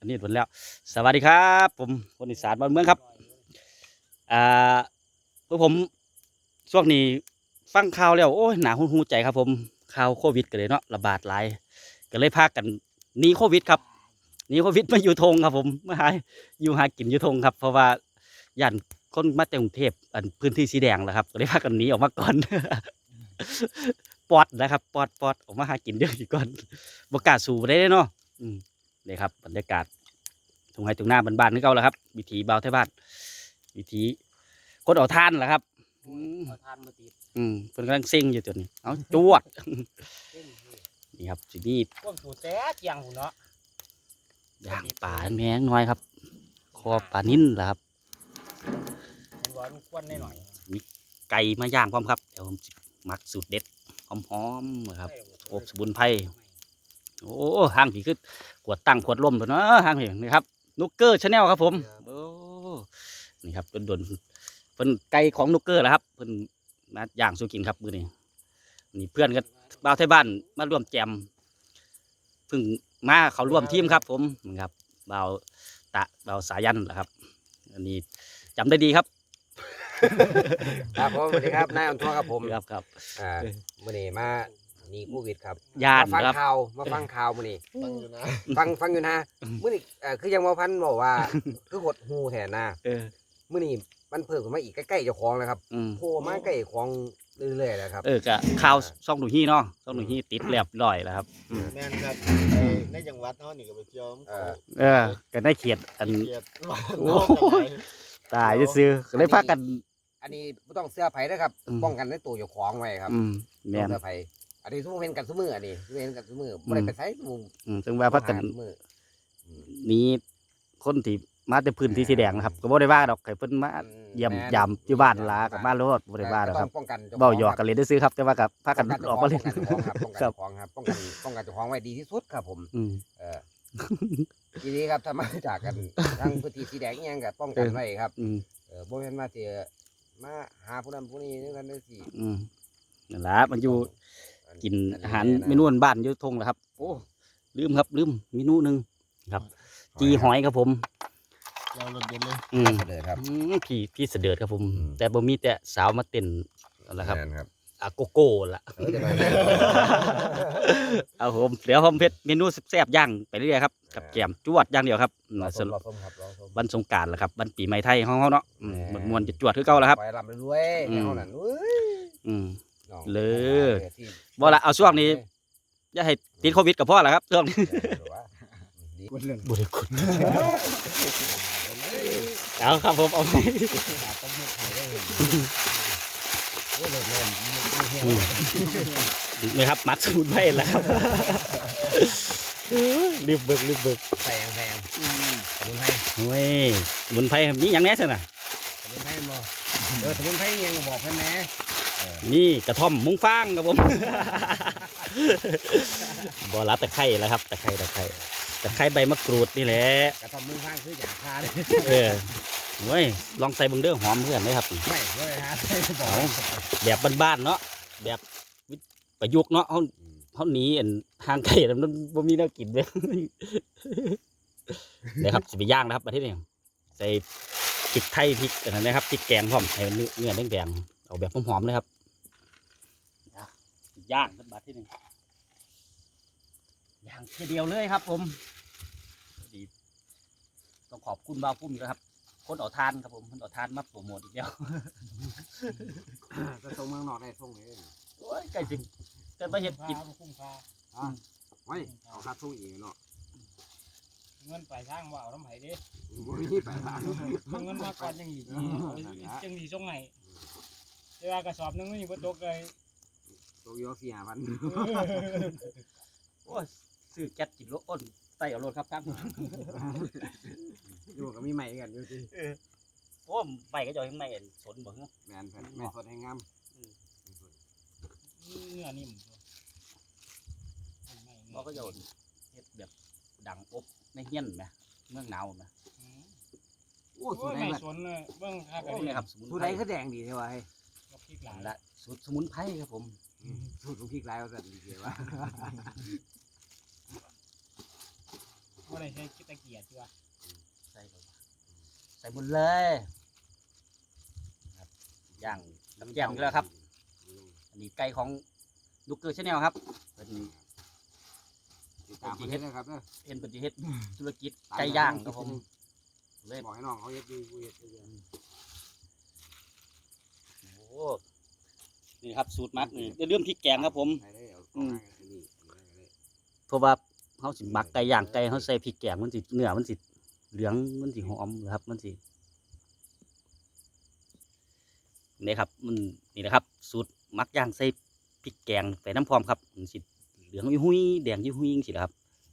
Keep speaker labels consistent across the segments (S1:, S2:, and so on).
S1: อันนี้ผลแล้วสวัสดีครับผมคนอีสานบ้านเมืองครับอ่าพวกผมช่วงนี้ฟังข่าวแล้วโอ้ยหนาหูใจครับผมข่าวโควิดกันเลยเนาะระบาดหลายก็เลยพากันหนีโควิดครับหนีโควิดมาอยู่ทงครับผมมาหาอยู่หากินอยู่ทงครับเพราะว่าย่านคนมาจากกรุงเทพอันพื้นที่สีแดงแหละครับก็เลยพากันหนีออกมาก่อน ปอดนะครับปอดออกมาหากินเยอะก่อนบกล้าสู่ได้เนาะนี่ครับบรรยากาศทุ่งไร่ทุ่งนาบ้านๆนี่เก่าแล้วครับวิถีเบาไทยบ้านวิถีคนเอาท่านแหละครับ
S2: เอาทานมาติด
S1: เพิ่นกำลังซิ่งอยู่ตัวนี้เอาจวดนี่ครับสิมี
S2: พวกสูตรแท้เจียงหูเนาะ
S1: ย่างป่าแมงน้อยครับคอปลานิ่นแหละครับ
S2: มันร้อนควนได้หน่อย
S1: มีไก่มาย่างพร้อมครับเดี๋ยวผมมักสูตรเด็ดหอมๆนะครับอบสมุนไพรโอ้ห้างผีขึ้นขวดตั้งขวดลมตัวเนาะห้างผีนี่ครับนุกเกอร์ชาแนลครับผมโอ้นี่ครับโดนเป็นไก่ของนุกเกอร์แหละครับเป็นมาย่างสู้กินครับมื้อนี้นี่เพื่อนก็บ่าวไทยบ้านมาร่วมแจมเพิ่งมาเขาร่วมทีมครับผมนะครับบ่าวบ่าวสายันแหละครับอันนี้จำได้ดีครับ
S3: ครับผมสวัสดีครับนายอันทัวครับผม
S1: ครับ
S3: มื่อนี้มานี่โควิดครับ
S1: ญาติ
S3: มาฟัง
S1: ครับ
S3: ข่าวมื่อนี้ฟังอยู่นะมื่อนี้คือยังมาพันบอกว่าคือหดหูแทนนะมื่อนี้มันเพิ่มขึ้นมาอีกใกล้ๆเจ้าของแล้วครับโผล่มาใกล้ของเรื่อยๆแล้วครับ
S1: ก็ข่าวซ่องหนูฮี่เนาะซ่องหนูฮี่ติดแลบร้อยแล้วครับ
S4: แม่นครับในจังหวัดเขานี่ก็ไปเที่ยว
S1: ก็ได้เขียดอัน
S4: เกียรติ
S1: โอ้ตายจะซื้อก็เลยพากัน
S3: อันนี้ไม่ต้องเสื้อไผ่นะครับป้องกันในตัวเจ้าของไว้ครับ
S1: แม่น
S3: เสื้อไผ่อันนี้ทุกเห็นกันทุกมืออันนี้ทุกเห็นกันทุกมือไม่ได้ไปใช้ทุก
S1: ซึ่งว่าพากันนี้คนที่มาแต่พื้นที่สีแดงนะครับก็บ่ได้ว่าดอกใครเพิ่นมาเยี่ยมยามอยู่บ้านลากับมาโลดบ่ได้ว่าดอกครับเว้าหยอกกันเลยได้ซื้อครับแต่ว่ากับพากันออกมาเล่น
S3: ครับป้องกันเจ้าของไว้ดีที่สุดครับผมทีนี้ครับถ้ามาจากกันทางพื้นที่สีแดงยังกับป้องกันไว้ครับบ่แม่นมาเจอมาหาผู้นั้นผู้นี้นึกกันได้สิ
S1: นั่นล่ะมันอยู่กินอาหารเมนูบ้านอยู่ทงแหละครับโอ้ลืมเมนูนึงครับจีหอยครับผม
S4: เราหลุดเด่นเลย
S3: เสด็จครับ
S1: พี่เสด็จครับผมแต่บ่มีแต่สาวมาเต้นนั่นแหละครับโกโก้ล่ะเอาผมเดี๋ยวผมเพชรเมนูแซ่บย่างไปเรื่อยๆครับกับแกมจวดย่างเดียวครับวันสงกรานต์ละครับวันปีใหม่ไทยของเขาเนาะมวนจะจวดคือเก่าแล้วครับ
S3: ไปรำรวยเท่านั้น
S1: เลยบ่ละเอาช่วงนี้อย่าให้ติดโควิดกับพ่อละครับช่วงนี้บุรีคุณเอาครับผมเอาไปนี่ครับมัดสมุนไพรแล้วครับรีบเบิก
S3: แพงสมุนไพร
S1: เฮ้ยสมุนไพรนี่ยังแน่ใช่ไหม
S3: สมุนไพรบ่สมุนไพรยังบอกเพื่อนแม่
S1: นี่กระท่อมมุ้งฟางครับผมบ่รับตะไคร้แล้วครับตะไคร้ใบมะกรูดนี่แหละ
S3: กระท่อมมุ้งฟางคืออย่างคาเลย
S1: เว้ยลองใส่เบิ่งเด้อหอมเพื่อนเลยครับ
S3: ไม่ฮะ
S1: แบบบ้านๆเนาะแบบประยุกต์เนาะเขาหนีทางไก่แล้วมันบ่มีแนวกินเลยเดี๋ยวครับสิไปย่างนะครับประเทศนี้ใส่พริกไทยพริกอะไรนะครับพริกแกงพร้อมให้เนื้อแดงๆเอาแบบหอมๆเลยครับย่างกันประเทศนี้ย่างทีเดียวเลยครับผมต้องขอบคุณบ่าวพุ่มนะครับคนเอาทานครับผมคนเอาทานมาโปรโมทอีกแล้ว
S3: จะส่งเมืองนอกได้ส่งเลย
S1: โอ้ยไก่จริงแต่ไปเห็ดกิน
S2: คุ้มค่า
S3: ไม่เอาค่าส่งอีกเนาะ
S2: เงินไปทางว่าเอาน้ำไผ่ดิ
S3: ที่ไปทาง
S2: เงินมาก่อนยังอีกจังดีส่งไงแต่ว่ากระสอบนึงนี่บ่ตกเลย
S3: ตกยอ4,000
S1: โอ้ยซื้อแก๊สกินรถอ้นไต่เอารถครับตั้ง
S3: อยู่ก็มีใหม่กันอยู่สิ
S1: โอ้ใหม่ก็จะยังใหม่สนบ่เนาะ
S3: แม่นไม่สดให้งาม
S2: เนื้อนิ่ม
S1: บ่ก็จะเฮ็ดแบบดังอบในเฮียนไหมเมืองหนาวไหม
S2: โอ้สุดไม่สนเลยเบื้องค่ากัน
S1: นี่ครับ
S3: สุดใดก็แดงดีใช่ไหม
S2: พริกหลาย
S1: ละสูตรสมุนไพรครับผม
S3: สูตรพริกหลายก็จะดีเดียวว่า
S2: อะไรใช้ตะเกียบจ้ะ
S1: หมดเลยครับย่างกับแจ่มอีกแล้วครับ อันนี้ไก่ของลูกเกอร์ชาแนลครับเป็น
S3: ติดตามคนนี้นะครับเนาะ
S1: เห็นปฏิเฮ็ดธุรกิจไก่ย่างครับผมเลย
S3: บอกให้น้องเขาเฮ็ดดีกูเฮ็ดดี
S1: โอ้นี่ครับสูตรมักนี่เรื่องพริกแกงครับผม
S3: ใครได้เอาของมาอันนี้
S1: เพราะว่าเขาสิหมักไก่ย่างไก่เขาใส่พริกแกงมันสิเนื้อมันสิเหลืองมันสิหอมนะครับมันสินี่ครับมันนี่นะครับ สูตรหมักย่างใส่พริกแกงใส่น้ำพร้อมครับมันสิเหลืองยุ่ยแดงยุ่ยสิครับ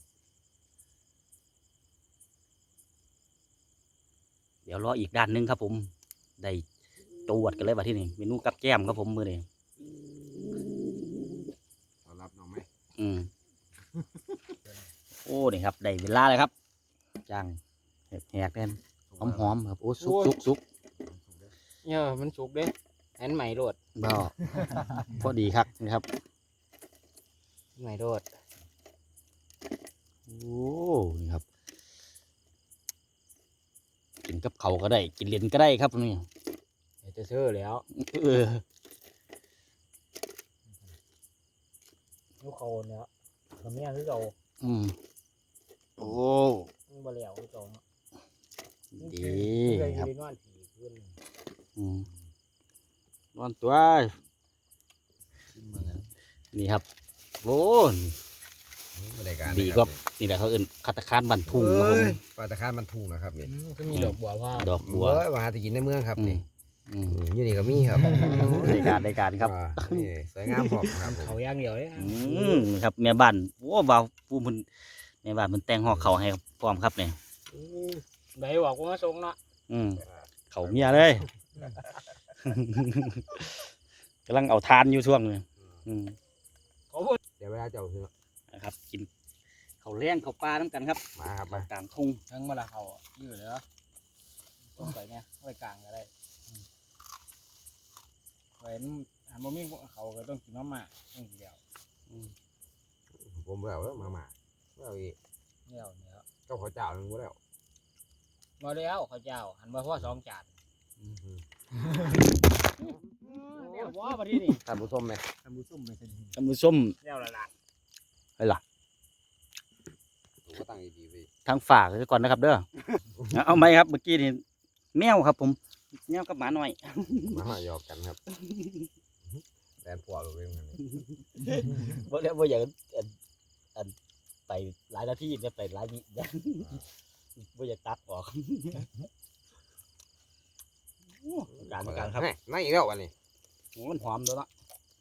S1: เดี๋ยวรออีกด้านหนึงครับผมได้จวดกันเลยว่าที่นี่เมนูกับแก้มครับผมมือนี้
S3: ต้อนรับน้องไหม
S1: โอ้นี่ครับได้เวลาเลยครับจ้างแหกๆแน่นหอมๆครับโอ้สุก
S2: เนี่ยมันสุกเด้อันใหม่โดด
S1: บ่พอดีครับนะครับ
S2: ใหม่โดด
S1: โอ้นี่ครับ กินกับเขาวก็ได้ กินเลนก็ได้ครับนี่
S2: เดี๋ยวจะซื้อแล้ว
S1: เออ
S2: ลูกเขาเนี่ยทำเนี่ยคือเรา
S1: โอ้
S2: บ่แล้วคือเรา
S1: ดีครับ
S2: นอนผีขึ้น
S1: นอนตัวนี่ครับโอ้ดีครับนี่แหละเขาเอื่นคัตตาคานบันทุ่งครับผม
S3: ปลาตะคานมันทุ่งนะครับนี่
S2: ก็มีดอกบัวว่า
S1: ดอกบัว
S3: ว่าหาที่กินในเมืองครับนี่
S1: อืม
S3: อยู่นี่ก็มีครับ
S1: ในการครับ
S3: นี่สวยงามพร้อมครับผม
S2: เขาย่างเดียวเลย
S1: ครับแม่บ้านโอ้บ่าวปูมันแม่บ้านมันแต่งห่อเขาวให้พร้อมครับเนี่ย
S2: ไหนบอกว่ามาส่งเนาะ
S1: เขาเมียเลย กำลังเอาทานอยู่ช่วงนึง
S2: เขาพูด
S3: เดี๋ยวเวลาเจ้าคือ
S1: นะครับ กินเขาวแรงเขาวปลาน้ำกันครับ
S3: มาครับมาก
S1: ลางทุ่ง
S2: ทั้งเวลาเขายืดเลยเหรอต้องใส่เนี่ยไว้กลางก็ได้ไว้หันบ่มีเขาก็ต้องกินน้ำหมากต้องกินเดียว
S3: ผมแล้วมาแล้วอีก
S2: เดียวเนี่ย
S3: เจ้าขอเจ้าหนึ่งแล้ว
S2: มาแล้วข้าวเจ้าหันมาพ่อ2 จานเนี่ยว่ามาที่นี่
S3: ท่านผู้ชมไหม
S2: ทำบุส้มไปสิ
S1: ตำมือส้ม
S2: แล้วละล่ะ
S3: ผมก็ตั้งดีๆไป
S1: ทางฝากไว้ก่อนนะครับ เด้อ เอาไหมครับเมื่อกี้นี่แมวครับ ผมแมวกับหมาหน่อย
S3: มาหยอกกันครับแดนผัวเราเองมัน
S1: บ่แล้วบ่อยากอันไปหลายนาทีเนี่ยไปหลายวิบ่อยากตัดออกการครับ
S3: นั่นอีกแล้ววันนี้
S1: โอ้มันหอมด้วยเนาะ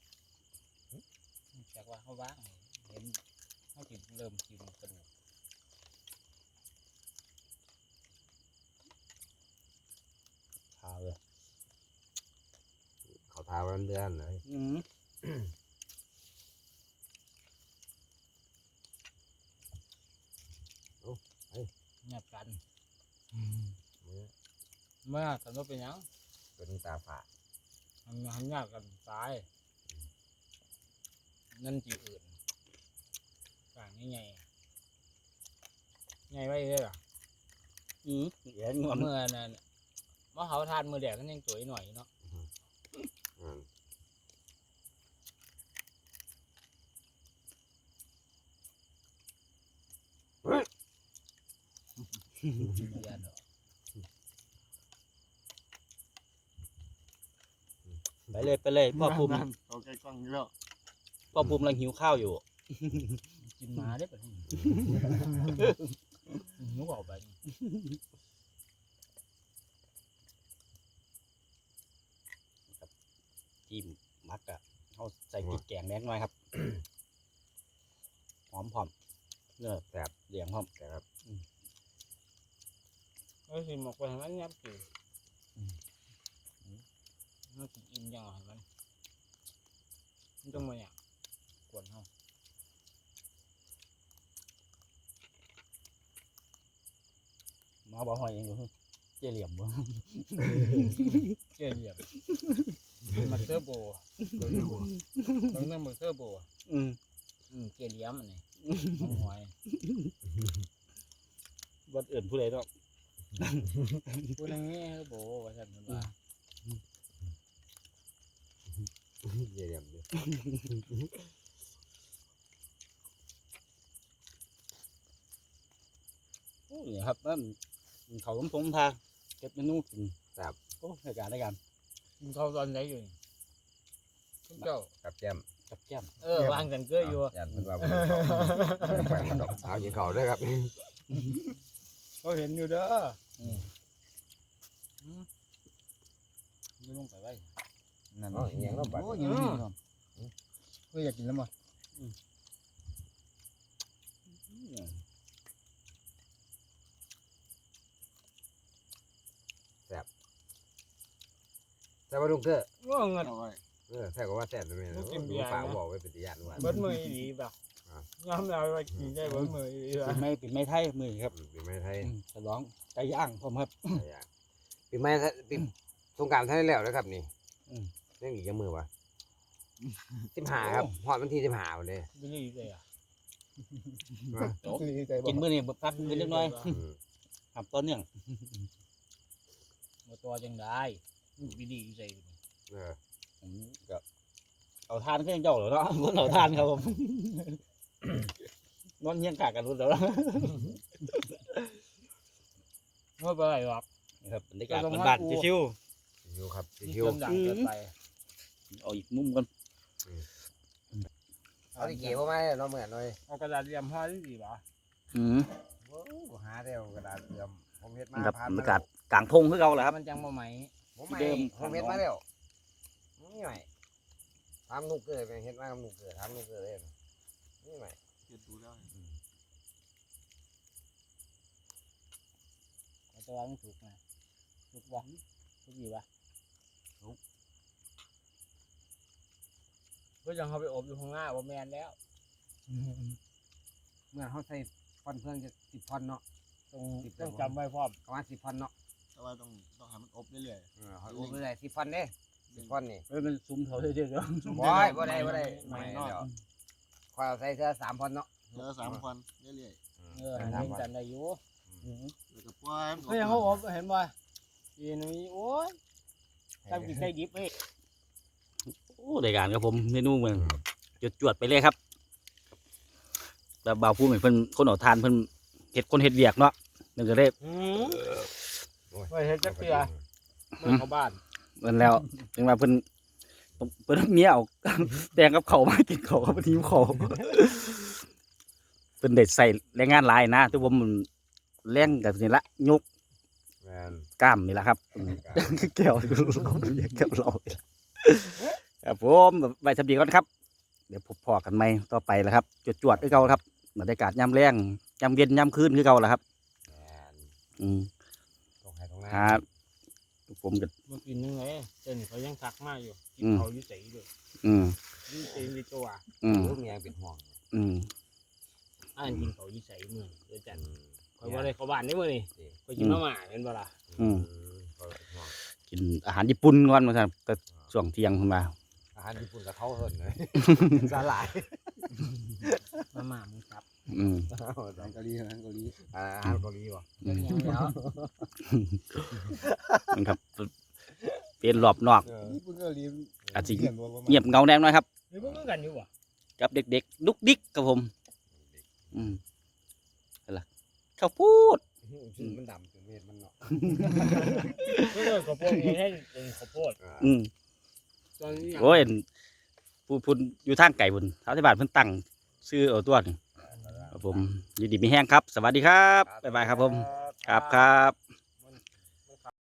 S2: จากว่าเขาว่างเห็นเขาถึงเริ่มกินกระดูก
S1: ขาวเลย
S3: เขาทาวันเดือนเลย
S2: เงียบกันเมื่อสมมติเป็นหยัง
S3: เป็นตาฝาด
S2: มันยากกันตายนั่นจีอื่นต่างนี่ไงไงไว้เลยล่ะ
S1: เดี๋ยวงอน
S2: เมื่อนั้นเมื่อเขาทานมือแดกกันยังสวยหน่อยเนาะ
S1: ไปเลยพ่อภูมิ
S4: โอเคกล้องนี้แล้ว
S1: พ่อภูมิกำลังหิวข้าวอยู่
S2: กินมาได้ปะนุกออกไป
S1: จิ้มมักอะเขาใส่พริกแกงแดงหน่อยครับ หอมพร้อมเนื้อแบบเหลียงพร้อม
S3: แต่ครับ
S2: ก็คือหมกไปทางนั้นยับจืดมันกินอิ่มยังไงมันต้องมาอย่างกวนเขา
S1: มาบ่หอยเองอยู่เจี๊ยเหลี่ยมบ่
S2: เกลียบมาเตอร์โบต้องนั่งมาเตอร์โบเกลียมอันนี้หอย
S1: บ่อื่นผู้ใดดอก
S2: พูดอย่างนี้โบว่าฉันว่า
S3: เยี่ยมเลย
S1: โอ้ยครับนั่นเขาล้มทงทาเก็บเมนูกินโอ้รายการ
S2: กินข้าวตอนไหนอยู่เจ้า
S3: กับแก้ม
S1: กับแก้ม
S2: วางกันเกลืออยู่
S3: ยันเป็นว่าไปมันดอกเอากินเขาด้วยครับ
S2: เขาเห็นอยู่เด้อ
S1: ไม่ลงไปไว้
S4: นั่น
S3: อ๋ออย่างนั้นไป
S4: โอ้ยยังมีครับก็อยากกินแล้วมั้ง
S3: แต่ว่าลุงเกอร์
S2: ว่าเงิน
S4: เอาไว้
S3: แท้ก็ว่าแท้เลยฝากบอกไว้เป็นตัวอย่างว่า
S2: เบิดมือดีแบบย้ำเราว่ากินได้เบิดมือดีแบบ
S1: เป็นไม้ไทยมือครับ
S3: ปีใหม่ไทย
S1: ฉลองไก่ย่างผมครับ
S3: ปีใหม่ปีสงกรานต์ไทยแล้วนะครับนี่ยังอีกยังมือวะ15ครับฮอดวันที่15วันเลย
S2: ไม่ได้เลยอ่ะ
S1: กินมื้อนี้พักมื้อเล็กน้อยครับตอนเนื่อง
S2: มาตัวจังได้วิธีใส่
S1: ผมก็เอาทานก็ยังเจ้าเหรอเนาะคนเอาทานครับผมนอนเฮียงกากันรู้แล้ว
S2: ไม่เป็นไรหรอก
S1: ครับบรรยากาศบ้านๆชิว
S3: อยู่ครับ
S2: กิน
S3: คิว
S2: จนดังเกินไป
S1: ๆเอาอีกมุมกัน
S3: เอาดิเกี่ยวมาเนาะเหมือนหน่อย
S2: เอากระดาษเรียมผ้าที่ดีป่ะ
S3: หาได้กระดาษเตรียมผมเฮ็ดมา
S1: ครับบรรยากาศกลางพงคือเก่าแหละครับ
S2: มันจังมาไหม
S3: ผมไม่ผมเฮ็ดมาแล้วนี่ใหม่ทำนุกเกิดเฮ็ดมาทำนุกเกิดทำนุกเกิดเลยนี่ใหม่
S4: เก็บดูแล้ว
S2: ตัวมันถูกนะถูกป่ะถูกดีป่ะก็ยังเขาไปอบอยู่ข้างหน้าว่าแมนแล้ว
S3: เมื่อเขาใส่ฟอนเพื่อนจะ10 ฟอนเนาะ
S2: ต้องจำไว้พร้อม
S3: ประมาณ10 ฟอนเนาะ
S4: แต่ว่าต้องให้มันอบเรื่อย
S3: เขาอบเลย10 ฟอนเด้10 ฟอนนี่
S1: มันซุ่มเขาเรื่อยๆเนาะ
S3: บ่ได้ไม่เนาะคอยใส่เสื้อ3 ฟอนเนาะ
S4: ๆแล้ว3 วันเรื่อย
S2: เห็นจำได้อยู่
S4: ๆแล้วก็ปล่อยมัน
S2: ก็ยังเขาอบเห็นป่ะทีนี้โอ้ยทำกินได้ดิบเฮ้ย
S1: โอ้รายการครับผมเมนูเหมือนจวดๆไปเลยครับแต่บ่าวผู้เหมือนเพิ่นคนเอาทานเพิ่นเฮ็ดคนเฮ็ดเวียกเนาะมันก็ได้
S2: ไม่เห็นจักเตียเมื่อเขาบ้าน
S1: เพิ่นแล้วถึงว่าเพิ่นเมียเอา แดงกับเขาวมากินเขาวกับทีมเขาเพิ่นได้ใส่แรงงานหลายนะแต่ผมมันแรงกับนี่ละยก
S3: แม่น
S1: กล้ามนี่ละครับแก้วเราแก้วเราครับผมไปสำดีก่อนครับ เดี๋ยวพบพอกันใหม่ต่อไปแล้วครับจวดๆคือเก่าครับบรรยากาศยามแรงยามเย็นยามคืนคือเก่าแล้วครับ
S3: แม่น
S1: อืม
S3: ตรงไหนตรงนั้น
S1: ครับผมก็
S2: มากินยังไงเต้นเขายังทักมาอยู่กินเขาอยู่ใส่ด้วย
S1: อืม
S2: นี่เต็มในตัว
S1: อืม
S3: ลูกเมียเป็นห่วง
S1: อืม
S2: อ่านกินเขาอยู่ใส่มือเดี๋ยวจันคอยว่าอะไรเขาบ้านได้มือนี่คอยกินมาม่าเป็นบ่ล่ะ
S1: กินอาหารญี่ปุ่นก่อนมาครับก็ช่วงเที่ยงขึ้นมา
S3: อาหารญี่ปุ่นกับเขาเหินเลยสลาย
S2: มาม่ามึงครับ
S1: อืม
S4: อาหารเกาหลี
S3: อาหารเกาหลีวะ
S2: เป็นยังไงแล้ว
S1: มันครับเป็นรอบนอก
S4: ญี่ปุ่นเกาหลี
S1: อาจจะเงียบเงาแน่นอนครับ
S2: หรือพวกมึงกันอยู่วะ
S1: กับเด็กๆดุกดิกกับผม อืมอะไรข้าวพูด
S3: มันดำจนเม็ดมันเนาะ
S2: เพื่อนข้าวโพดนี่ให้เป็นข้าวโพด
S1: อืม
S2: ตอนนี้
S1: โอ้ยพูนอยู่ทางไก่บุญชาวที่บ้านเพิ่นตั้งซื้อเอาตัวนี่ครับผมยินดีมีแห้งครับ สวัสดีครับบ๊ายบายครับผมครับครับ